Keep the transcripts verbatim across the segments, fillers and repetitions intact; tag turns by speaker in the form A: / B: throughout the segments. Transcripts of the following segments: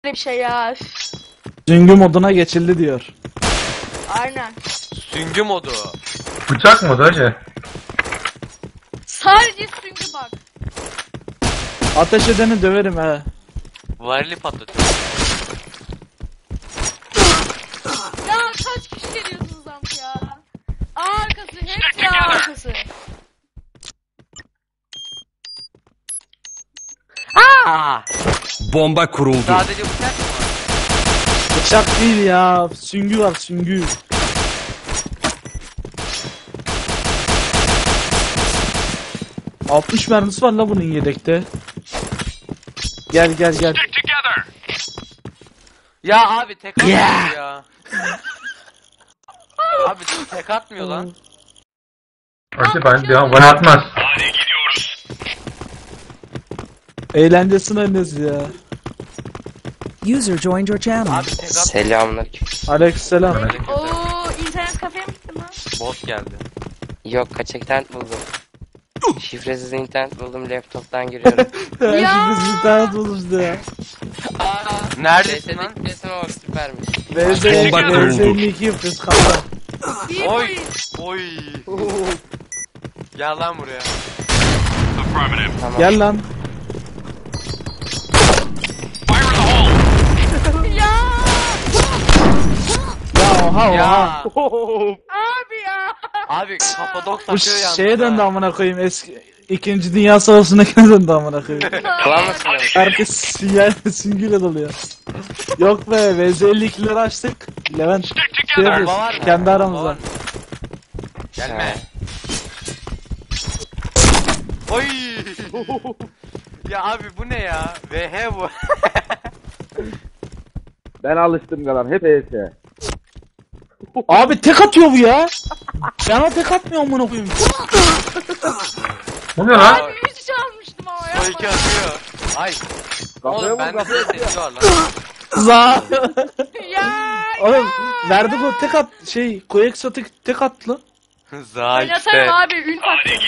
A: bir şey ya.
B: Süngü moduna geçildi diyor.
A: Aynen.
C: Süngü modu.
D: Bıçak modu hacı.
A: Sadece süngü bak.
B: Ateş edeni döverim he.
C: Varili patlatıyor.
A: Ya kaç kişi geliyorsunuz amk ya? A arkası, hepsi A arkası.
C: Aa!
E: Bomba kuruldu.
C: Sadece bıçak mı var?
B: Bıçak değil ya. Süngü var süngü. altmış mermisi var la bunun yedekte. Gel gel gel.
C: Ya abi tek atmıyor ya. Abi tek atmıyor lan.
D: Hacı ben bir an bana atmaz.
B: Eğlencesine annesi ya.
F: User joined your channel.
C: Abi tek atmıyor.
G: Selamünaleyküm.
B: Aleykümselam.
A: Oo, internet kafeye mi gittin lan?
C: Bot geldi.
G: Yok, kaçak internet buldum. Şifresiz internet buldum, laptoptan giriyorum.
B: Ya. Şimdi bir tane bulurdu ya.
C: Neredesin lan?
G: Resim bak, süpermiş.
B: V Z
E: Bomba kuruldu.
B: elli iki yapıyoruz kanka.
A: Bir
C: Oy.
A: point.
C: Oy. Gel lan buraya.
G: Tamam.
B: Gel lan.
A: Ya
B: Ya oha
C: Ya.
B: oha.
A: abi ya.
C: Abi Kapadok
B: Bu
C: takıyor yalnız.
B: şeye döndü
C: ha.
B: amına koyayım eski İkinci Dünya Savaşı'ndakine döndü amına koyayım.
G: Klan mısın?
B: Herkes sinyal süngüyle doluyor. Yok be V Z elli ikileri açtık. Levent şey
C: Bomba
B: yapıyoruz,
C: var mı?
B: kendi
C: Bomba
B: aramızda.
C: var mı? Gelme. Oy. Ya abi bu ne ya? V H bu.
H: Ben alıştım kalan hep E S.
B: Abi tek atıyor bu ya. Bana tek atmıyor amına koyayım.
D: Bu ne lan?
A: Abi üç çalmıştım ama ya.
C: O iki atıyor. Ay.
H: Kafaya
C: Oğlum
H: vur,
C: bende
H: kafaya vur.
C: sesi var lan.
B: Za.
A: Ya.
B: Oğlum verdik o tek at şey Koyeksa tek, tek attı.
C: Za
A: Ben
C: işte.
A: atarım abi ün taktım.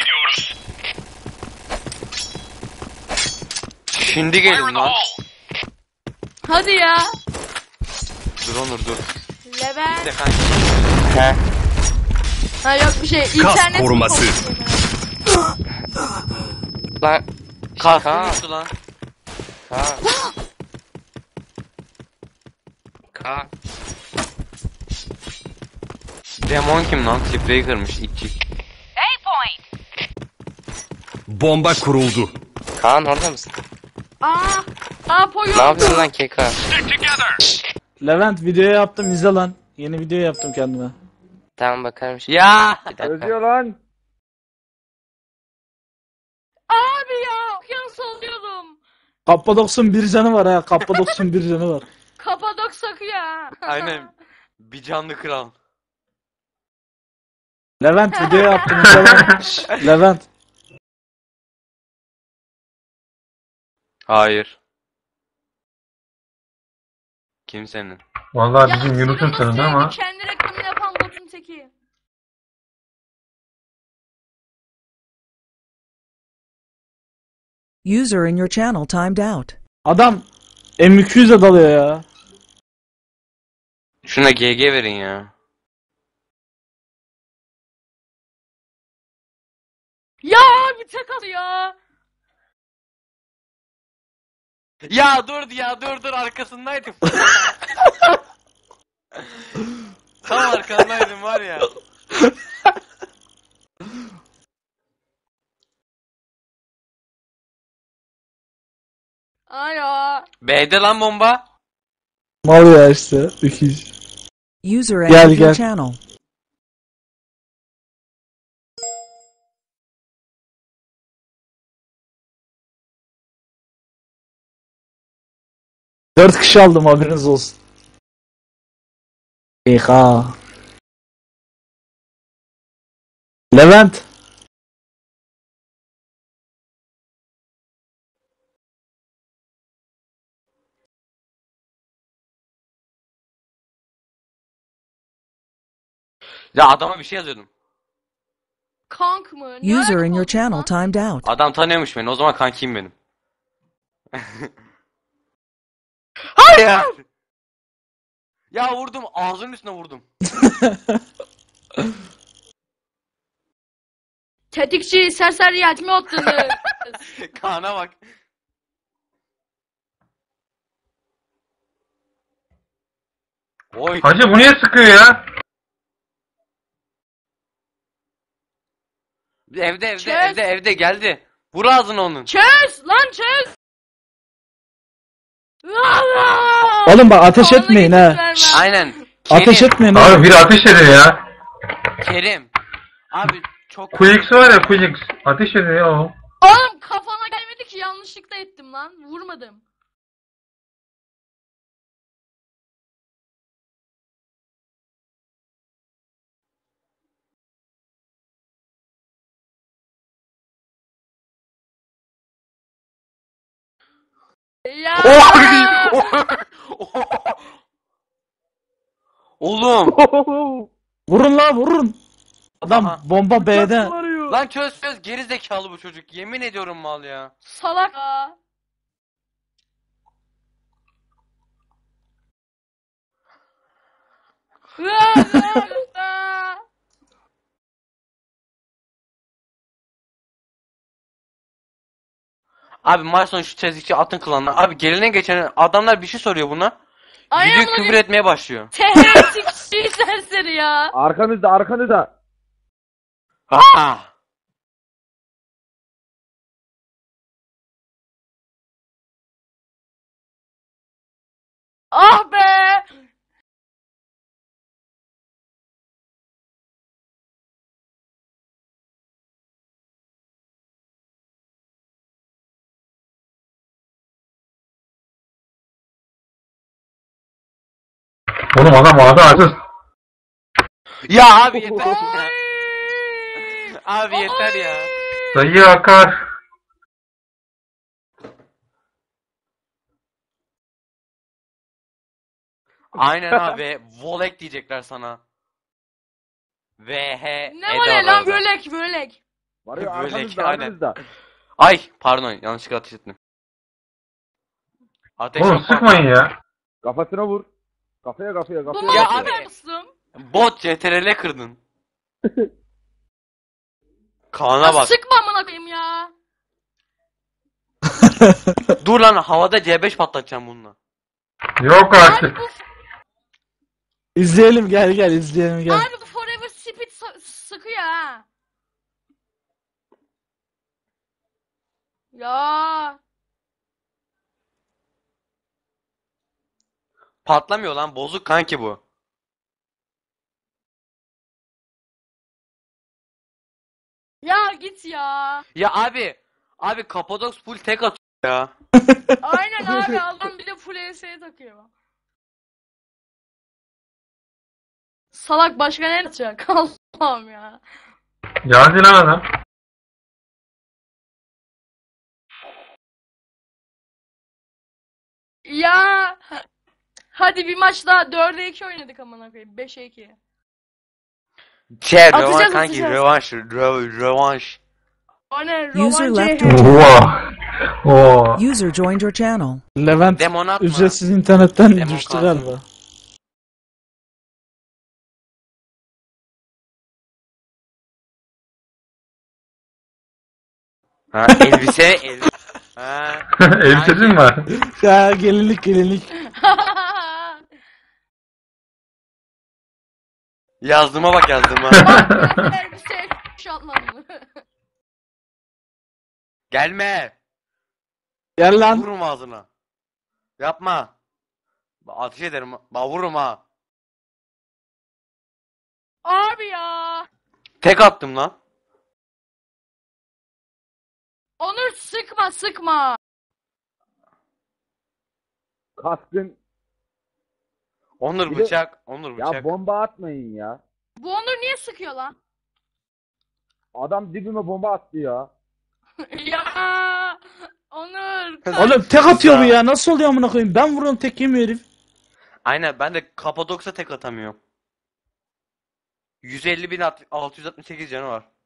C: Şimdi gelin lan.
A: Hadi ya.
C: Dur Onur dur.
A: Levent.
C: De kanka.
G: He.
A: Ha yok bir şey. İnternet
E: koruması.
G: Lan.
C: Kastım
G: Kaan.
C: uçtu lan.
G: Kaan. Kaan.
C: Demon kim lan? Clip'leri kırmış itçik.
E: Bomba kuruldu.
G: Kaan orada mısın?
A: Aa. Aa poyo.
G: Ne yapıyorsun lan Keka?
B: Levent video yaptım izle lan. Yeni video yaptım kendime.
G: Tamam, bakarım şimdi.
C: Ya.
G: Bir dakika.
H: Özüyor lan.
A: Abi ya. Okyanus oluyordum.
B: Kappadoks'un bir canı var ha. Kappadoks'un bir canı var.
A: Kapadok sakıyor ha.
C: Aynen. Bir canlı kral.
B: Levent video yaptım izle lan. Şşş, Levent.
C: Hayır. Kimsenin.
D: Vallahi
A: Ya
D: bizim Yunus'un
A: Yunus
D: tanıdı
A: yani
D: ama.
A: kendi reklamını yapan botun teki.
F: User in your channel timed out.
B: Adam M iki yüz'e dalıyor ya.
C: Şuna G G verin ya.
A: Ya abi tek atıyor.
C: Ya dur ya dur dur arkasındaydım. Tam arkandaydım var ya.
A: Alo.
C: B'de lan bomba.
B: Mal ya işte. öküz.
F: User
B: Gel,
F: entered your
B: gel.
F: channel.
B: Dört kişi aldım haberiniz olsun. Eka. Levent.
C: Ya adama bir şey yazıyordum.
A: Kank mı? Ne
F: User in
A: alaka
F: your
A: oldu
F: channel
A: lan?
F: timed out.
C: Adam tanıyormuş beni. O zaman kankiyim benim. Hayır. Ya vurdum, ağzının üstüne vurdum.
A: Tetikçi serseriyet mi attınız?
C: Kaan'a bak. Oy.
D: Hacı bu niye sıkıyor ya?
C: Evde evde
A: Çöz.
C: evde evde geldi. Vur ağzını onun.
A: Çöz lan çöz.
B: Oğlum bak ateş
A: Vallahi
B: etmeyin
A: geçit
B: ha.
A: vermem.
C: Aynen. Kerim.
B: Ateş etmeyin ha.
D: Abi biri ateş ediyor ya.
C: Kerim. Abi çok...
D: Quix var ya Quix. Ateş ediyor ya o.
A: Oğlum kafana gelmedi ki yanlışlıkla ettim lan. Vurmadım. Ya.
C: Oğlum.
B: Vurun la vurun. Adam
C: Aha.
B: bomba B'de.
C: Lan çöz çöz, geri zekalı bu çocuk. Yemin ediyorum mal ya.
A: Salak ya.
C: Abi maç sonu şu tezlikçi atın klanına. Abi gelene geçen adamlar bir şey soruyor buna.
A: Aynen
C: Gidiyor
A: bunu
C: küfür
A: bir
C: etmeye başlıyor.
A: tehditçi serseri ya.
H: Arkanızda arkanızda.
C: Ha.
A: Ah be.
D: Oğlum adam ağzı açız.
C: Ya abi yeter ya.
A: Oy.
C: Abi yeter ya.
D: Sayı akar.
C: Aynen abi. Volek diyecekler sana. V H
A: Ne var ya lan bölek bölek.
H: Var ya
C: Böyle
H: arkanızda
C: ki, aynen.
H: arkanızda.
C: Ay pardon, yanlışlıkla ateş ettim. Ateş
D: Oğlum
C: yok.
D: sıkmayın ya.
H: Kafasına vur. Kafaya kafaya
A: Bu
H: kafaya.
C: Ya
A: maçı
C: abi.
A: mısın?
C: Bot C T R L kırdın. Kaan'a bak.
A: Sıkma amına koyayım ya.
C: Dur lan, havada C beş patlatacağım bununla.
D: Yok
A: Abi
D: artık.
A: bu,
B: İzleyelim gel gel izleyelim gel.
A: abi bu Forever Speed sa- sıkıyor ha. Ya.
C: Patlamıyor lan, bozuk kanki bu.
A: Ya git ya.
C: Ya abi. Abi Kapadoks full tek atıyor ya.
A: Aynen abi adam bir de full E S'ye takıyor. Salak başka ne yapacak? Allah'ım ya.
D: Geldi lan adam.
A: Ya. Hadi bir maç daha dörde iki oynadık amına koyayım. beşe iki.
C: Şey
A: Atacağız,
C: rövanş kanki,
A: atacağız.
C: rövanş rö- rövanş.
A: O ne?
F: User
A: Rovancı.
F: left your
D: Oha. Oo.
F: User joined your channel.
B: Levent
C: Demon atma.
B: ücretsiz internetten
C: Demon
B: düştü
C: kalsın.
B: galiba.
C: Ha elbise elbise. Ha.
D: Elbisesi mi var?
B: Ya gelinlik gelinlik.
C: Yazdığıma bak, yazdığıma.
A: Elbise şatlandı.
C: Gelme.
B: Gel lan.
C: Vururum ağzına. Yapma. Ba- Ateş ederim. Ba vururum ha.
A: Abi ya.
C: Tek attım lan.
A: Onur sıkma sıkma.
H: Kaskın.
C: Onur
H: Bir de-
C: bıçak. Onur bıçak.
H: Ya bomba atmayın ya.
A: Bu Onur niye sıkıyor lan?
H: Adam dibime bomba attı ya.
A: Ya. Onur.
B: Oğlum tek atıyor bu ya. Nasıl oluyor amına koyayım? Ben vuruyorum tek yemiyor herif.
C: Aynen, ben de Kapadoks'a tek atamıyorum. yüz elli bin altı yüz altmış sekiz canı var.